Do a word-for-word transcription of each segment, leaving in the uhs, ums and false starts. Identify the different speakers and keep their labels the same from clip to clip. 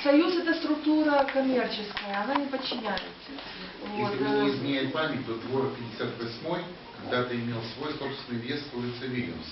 Speaker 1: Союз — это структура коммерческая, она не подчиняется. Вот.
Speaker 2: Если мне не изменяет память, то двор пятьдесят восьмой когда-то имел свой собственный въезд в улице Вильямс.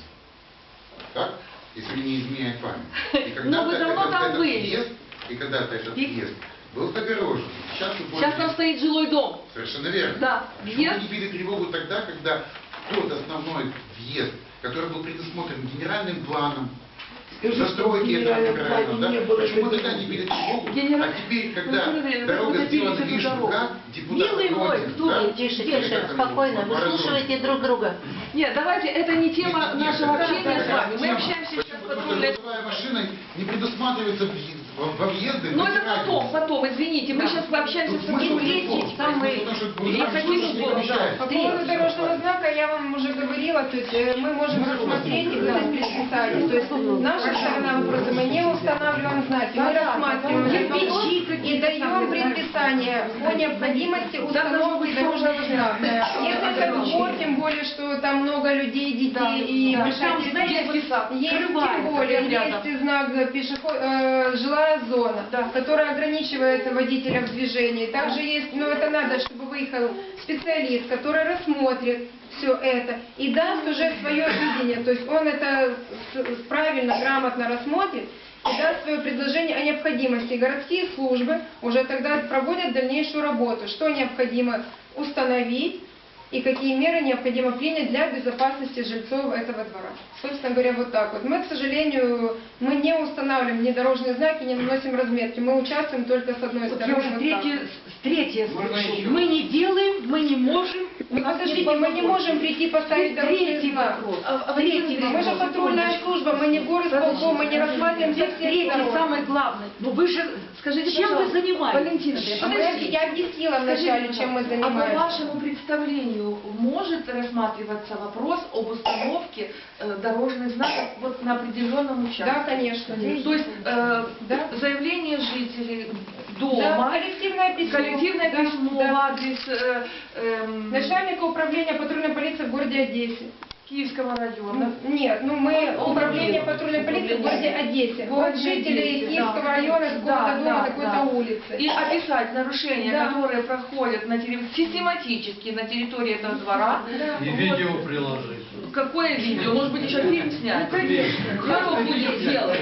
Speaker 2: Так? Если мне не изменяет память. И когда-то
Speaker 1: вы давно
Speaker 2: этот,
Speaker 1: там
Speaker 2: этот
Speaker 1: были.
Speaker 2: въезд, и когда-то этот
Speaker 1: И-
Speaker 2: въезд был загорожен. Сейчас, вы
Speaker 1: Сейчас там стоит жилой дом.
Speaker 2: Совершенно верно.
Speaker 1: Да.
Speaker 2: Почему
Speaker 1: Въезд-
Speaker 2: вы не били тревогу тогда, когда тот основной въезд, который был предусмотрен генеральным планом, застройки этого правильно, да? Почему тогда не били тревогу,
Speaker 1: Генерал-
Speaker 2: а теперь, когда
Speaker 1: Ну, время,
Speaker 2: дорога
Speaker 1: вы
Speaker 2: сделана
Speaker 1: добились
Speaker 2: лишь
Speaker 1: эту дорогу.
Speaker 2: как, депутат
Speaker 1: Милый мой,
Speaker 2: против,
Speaker 1: кто
Speaker 2: да?
Speaker 1: вы?
Speaker 3: Тише,
Speaker 2: Или
Speaker 3: тише,
Speaker 2: как там,
Speaker 3: спокойно,
Speaker 2: Баранов?
Speaker 3: выслушивайте друг друга.
Speaker 1: Нет, давайте, это не тема
Speaker 2: Нет, нет,
Speaker 1: нашего
Speaker 2: это-
Speaker 1: общения
Speaker 2: это
Speaker 1: с вами. Мы
Speaker 2: тема.
Speaker 1: общаемся сейчас
Speaker 2: Почему?
Speaker 1: с
Speaker 2: Потому что
Speaker 1: патрульной...
Speaker 2: грузовая машина не предусматривается въезд- во во въезды.
Speaker 1: Ну
Speaker 2: в
Speaker 1: это
Speaker 2: эти
Speaker 1: потом,
Speaker 2: радиусы.
Speaker 1: потом, извините, мы
Speaker 3: Да.
Speaker 1: сейчас пообщаемся с
Speaker 2: Тут смысл
Speaker 1: патрульной.
Speaker 2: не в том,
Speaker 1: Там мы...
Speaker 2: потому что
Speaker 1: Я
Speaker 2: грузовая
Speaker 1: хотим
Speaker 2: машина не
Speaker 1: было,
Speaker 2: мешает.
Speaker 4: По поводу дорожного знака я вам уже говорила, то есть э, мы можем рассмотреть и выдать предписание. То есть наша сторона вопроса, мы не устанавливаем знаки, мы рассматриваем кирпичи и даем предписание по необходимости установки дорожного знака. Если это двор, тем более, что там много людей, детей
Speaker 1: Да,
Speaker 4: и
Speaker 1: да.
Speaker 4: большая
Speaker 1: Там, знаете,
Speaker 4: территория.
Speaker 1: детский сад
Speaker 4: Есть тем
Speaker 1: скрывается
Speaker 4: более,
Speaker 1: рядом.
Speaker 4: есть знак пешеход, э, жилая зона,
Speaker 1: Да.
Speaker 4: которая ограничивает водителя в движении. Также есть, но это надо, чтобы выехал специалист, который рассмотрит все это и даст уже свое видение. То есть он это с- правильно, грамотно рассмотрит и даст свое предложение о необходимости. Городские службы уже тогда проводят дальнейшую работу, что необходимо установить и какие меры необходимо принять для безопасности жильцов этого двора. Собственно говоря, вот так вот. Мы, к сожалению, мы не устанавливаем ни дорожные знаки, не наносим разметки. Мы участвуем только с одной
Speaker 5: Вот я
Speaker 4: стороны.
Speaker 5: уже
Speaker 4: вот
Speaker 5: третье,
Speaker 4: так.
Speaker 5: третье
Speaker 2: Можно
Speaker 5: слышу.
Speaker 2: еще?
Speaker 5: Мы не делаем, мы не можем. у
Speaker 4: Ну,
Speaker 5: нас
Speaker 4: подождите,
Speaker 5: нет
Speaker 4: мы не можем прийти поставить дорожный
Speaker 5: Третий
Speaker 4: знак.
Speaker 5: вопрос.
Speaker 1: А,
Speaker 4: Третий. Мы же патрульная служба, мы не горосполком, мы не рассматриваем все
Speaker 5: Третий,
Speaker 4: сторон.
Speaker 5: самый главный. Ну вы же,
Speaker 1: Скажите,
Speaker 5: чем вы
Speaker 1: пожалуйста,
Speaker 5: занимаетесь?
Speaker 1: Валентина,
Speaker 4: А мы-
Speaker 1: подождите.
Speaker 4: Я объяснила
Speaker 1: Скажите,
Speaker 4: вначале, чем мы
Speaker 1: а по
Speaker 4: занимаемся.
Speaker 1: вашему представлению может рассматриваться вопрос об установке э, дорожных знаков вот на определенном участке?
Speaker 4: Да, конечно.
Speaker 1: То есть э,
Speaker 4: Да.
Speaker 1: заявление жителей
Speaker 4: Да,
Speaker 1: дома,
Speaker 4: коллективное письмо.
Speaker 1: коллективное
Speaker 4: Да,
Speaker 1: письмо
Speaker 4: да.
Speaker 1: в адрес э, эм,
Speaker 4: Начальника управления патрульной полиции в городе Одессе.
Speaker 1: Киевского района.
Speaker 4: Нет, ну мы управление патрульной полиции в городе Одессе. Вот жители Киевского района, с
Speaker 1: Да,
Speaker 4: дома
Speaker 1: да,
Speaker 4: такой-то
Speaker 1: да.
Speaker 4: улицы.
Speaker 1: И описать нарушения,
Speaker 4: Да.
Speaker 1: которые проходят на терри- систематически на территории этого двора.
Speaker 4: Да.
Speaker 6: И
Speaker 1: Вот.
Speaker 6: видео приложить.
Speaker 1: Какое видео? Может быть, еще фильм снять?
Speaker 4: Ну, конечно.
Speaker 1: Кто будет делать?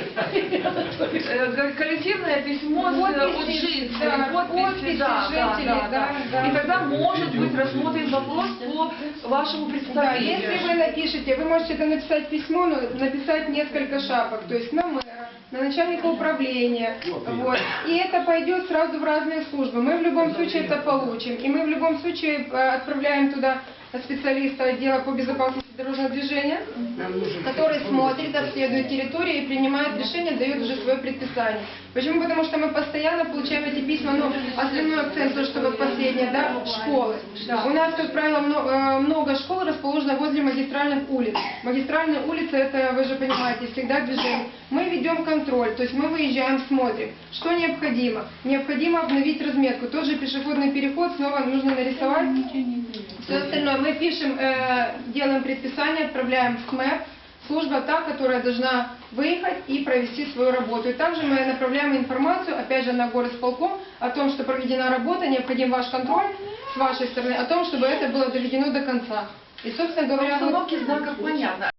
Speaker 1: Э, ко- Коллективное письмо с э, от
Speaker 4: Подписи,
Speaker 1: жителей,
Speaker 4: да,
Speaker 1: подписи,
Speaker 4: подписи
Speaker 1: да, да,
Speaker 4: жителей,
Speaker 1: да,
Speaker 4: да, да.
Speaker 1: И тогда может быть рассмотрен вопрос по вашему
Speaker 4: Да,
Speaker 1: представлению.
Speaker 4: если вы напишете, вы можете это написать письмо, но написать несколько шапок, то есть на мэра, на начальника управления, вот. И это пойдет сразу в разные службы. Мы в любом случае это получим, и мы в любом случае э, отправляем туда специалиста отдела по безопасности дорожного движения, который смотрит, обследует территорию и принимает решение, дает уже свое предписание. Почему? Потому что мы постоянно получаем эти письма, но основной акцент, то, что вот последнее, да, школы. У нас, как правило, мно- э, много школ расположено возле магистральных улиц. Магистральные улицы, это, вы же понимаете, всегда движение. Мы ведем контроль, то есть мы выезжаем, смотрим, что необходимо. Необходимо обновить разметку. Тот же пешеходный переход снова нужно нарисовать. Все остальное мы пишем, э, делаем предписание, отправляем в СМЭП. Служба та, которая должна выехать и провести свою работу. И также мы направляем информацию, опять же, на горосполком, о том, что проведена работа, необходим ваш контроль с вашей стороны, о том, чтобы это было доведено до конца. И, собственно говоря, вот-
Speaker 1: Установки знаков понятно.